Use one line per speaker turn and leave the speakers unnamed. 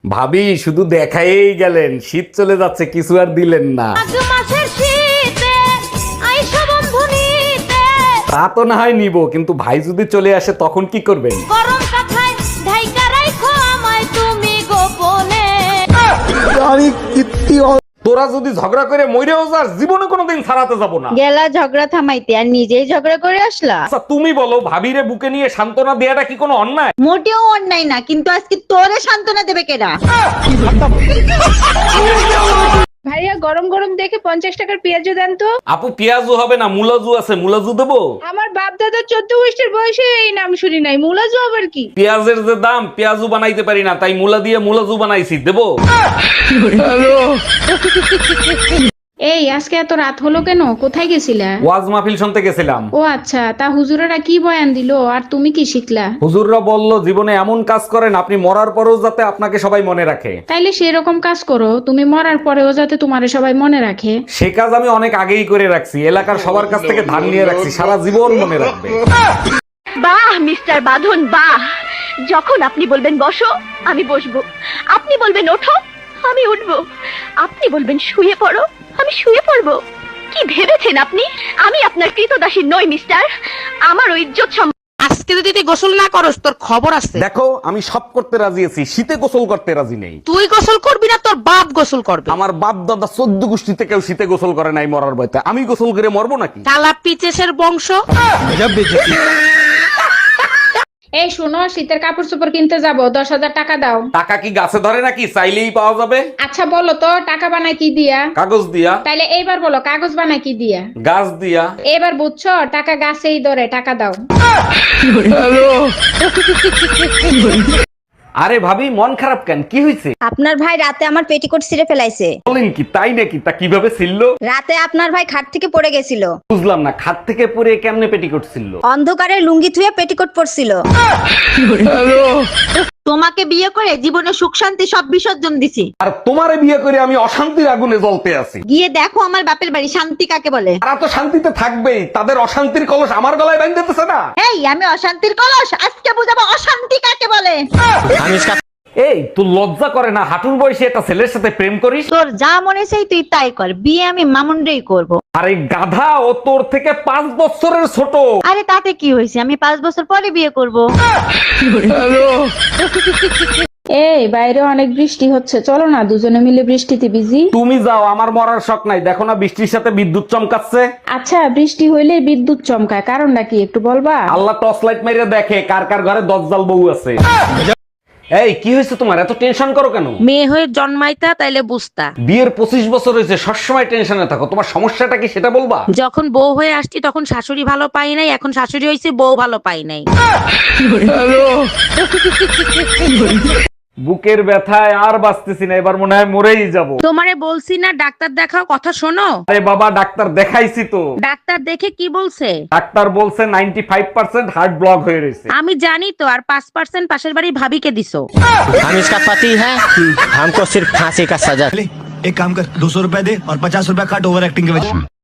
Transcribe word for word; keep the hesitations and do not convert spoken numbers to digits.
ভাবি শুধু দেখাইই গেলেন, শীত চলে যাচ্ছে কিছু আর দিলেন না। তা তো না হয় নিব, কিন্তু ভাই যদি চলে আসে তখন কি করবেন? তোরা যদি ঝগড়া করে মইরেও যাস, জীবনে কোনোদিন ছাড়াতে যাব না।
গেলা ঝগড়া থামাইতে আর নিজেই ঝগড়া করে আসলা।
আচ্ছা তুমি বলো, ভাবিরে বুকে নিয়ে সান্ত্বনা দেয়াটা কি কোনো অন্যায়?
মোটেও অন্যায় না, কিন্তু আজকে তোরে সান্ত্বনা দেবে কেডা?
ভাইয়া গরম গরম দেখে পঞ্চাশ টাকার পেঁয়াজু দেন তো।
আপু পেঁয়াজু হবে না, মুলাজু আছে, মুলাজু দেবো?
আমার বাপ দাদা চোদ্দ গোষ্ঠীর বয়সে এই নাম শুনি নাই, মুলাজু আবার কি?
পেঁয়াজের যে দাম, পেঁয়াজু বানাইতে পারি না, তাই মুলা দিয়ে মুলাজু বানাইছি, দেবো?
এই আজকে এত রাত হলো কেন? কোথায় গেছিলা?
ওয়াজ মাহফিল শুনতে গেছিলাম।
ও আচ্ছা, তা হুজুরেরা কি বয়ান দিলো আর তুমি কি শিখলা?
হুজুররা বলল জীবনে এমন কাজ করেন আপনি মরার পরেও যাতে আপনাকে সবাই মনে রাখে।
তাইলে সেরকম কাজ করো, তুমি মরার পরেও যাতে তোমারে সবাই মনে রাখে।
সে কাজ আমি অনেক আগেই করে রাখছি, এলাকার সবার কাছ থেকে ধার নিয়ে রাখছি, সারা জীবন মনে রাখবে।
বাহ মিস্টার বাঁধন বাহ, যখন আপনি বলবেন বসো আমি বসবো, আপনি বলবেন ওঠো আমি উঠবো, আপনি বলবেন শুয়ে পড়ো আমি শুয়ে পড়বো। কি ভেবেছেন আপনি আমি আপনার কৃতদাসী নই মিস্টার? আমার ওই ইজ্জত
আজকে যদি তুই গোসল না করস তোর খবর আছে।
দেখো আমি সব করতে রাজি আছি, শীতে গোসল করতে রাজি নেই।
তুই গোসল করবি না, তোর বাপ গোসল করবে।
আমার বাপ দাদা চোদ্দ গোষ্ঠীতে কেউ শীতে গোসল করে নাই মরার ভয়তে, আমি গোসল করে মরবো নাকি?
কালা পিচেসের বংশ।
এই শোনো, শীতের কাপড় চোপড় কিনতে যাবো, দশ হাজার টাকা দাও।
টাকা কি গাছে ধরে নাকি, চাইলেই পাওয়া যাবে?
আচ্ছা বলো তো, টাকা বানায় কি দিয়া?
কাগজ দিয়া।
তাইলে এইবার বলো, কাগজ বানায় কি দিয়া?
গাছ দিয়া।
এবার বুঝছো, টাকা গাছেই ধরে, টাকা দাও।
আরে ভাবি মন খারাপ কেন, কি হয়েছে?
আপনার ভাই রাতে আমার পেটিকোট ছিঁড়ে ফেলাইছে।
বলেন কি, তাই নাকি? তা কিভাবে ছিল?
রাতে আপনার ভাই খাট থেকে পড়ে গেছিল।
বুঝলাম না, খাট থেকে পরে কেমনে পেটি করছিল?
অন্ধকারে লুঙ্গি থুয়ে পেটিকোট পরছিল। তোমাকে বিয়ে করে জীবনে সুখ শান্তি সব বিসর্জন দিছি।
আর তোমারে বিয়ে করে আমি অশান্তির আগুনে জ্বলতে আছি।
গিয়ে দেখো আমার বাপের বাড়ি শান্তি কাকে বলে।
তারা তো শান্তিতে থাকবেই, তাদের অশান্তির কলস আমার গলায় বাঁধতেছে না।
এই আমি অশান্তির কলস, আজকে বুঝাবো অশান্তি কাকে বলে।
এই তুই লজ্জা করে না হাঁটুর বয়সে একটা ছেলের সাথে প্রেম করিস?
তোর যা মনে চাই তুই তাই কর, বিয়ে আমি মামুনরেই করব।
আরে গাধা, ও তোর থেকে পাঁচ বছরের ছোট।
আরে তাতে কি হয়েছে, আমি পাঁচ বছর পরে বিয়ে করব।
এই বাইরে অনেক বৃষ্টি হচ্ছে, চলো না দুজনে মিলে বৃষ্টিতে ভিজি।
তুমি যাও, আমার মরার শখ নাই। দেখো না বৃষ্টির সাথে বিদ্যুৎ চমকাচ্ছে।
আচ্ছা বৃষ্টি হইলে বিদ্যুৎ চমকায়, কারণটা কি একটু বলবা?
আল্লাহ টর্চ লাইট মেরে দেখে কার কার ঘরে দজ্জাল বউ আছে। এই কি হয়েছে তোমার, এত টেনশন করো কেন?
মেয়ে হয়ে জন্মাইতা তাইলে বুঝতা।
বিয়ের পঁচিশ বছর হয়েছে, সবসময় টেনশনে থাকো, তোমার সমস্যাটা কি সেটা বলবা?
যখন বউ হয়ে আসছি তখন শাশুড়ি ভালো পাই নাই, এখন শাশুড়ি হয়েছে বউ ভালো পাই নাই।
বুকের ব্যথায় আর বাঁচতেছি না, এবার মনে হয় মরেই যাব।
তোমারে বলছি না ডাক্তার দেখাও, কথা শোনো।
আরে বাবা ডাক্তার দেখাইছি তো।
ডাক্তার দেখে কি বলছে?
ডাক্তার বলছে ninety five percent heart block হয়ে রয়েছে।
আমি জানি তো, আর পাঁচ পার্সেন্ট পাশের বাড়ি ভাবিকে দিছো।
हम इसका पति है, हमको सिर्फ फांसी का सजा।
एक काम कर, दो सौ रुपए दे और पचास रुपए काट ओवर एक्टिंग के वजह।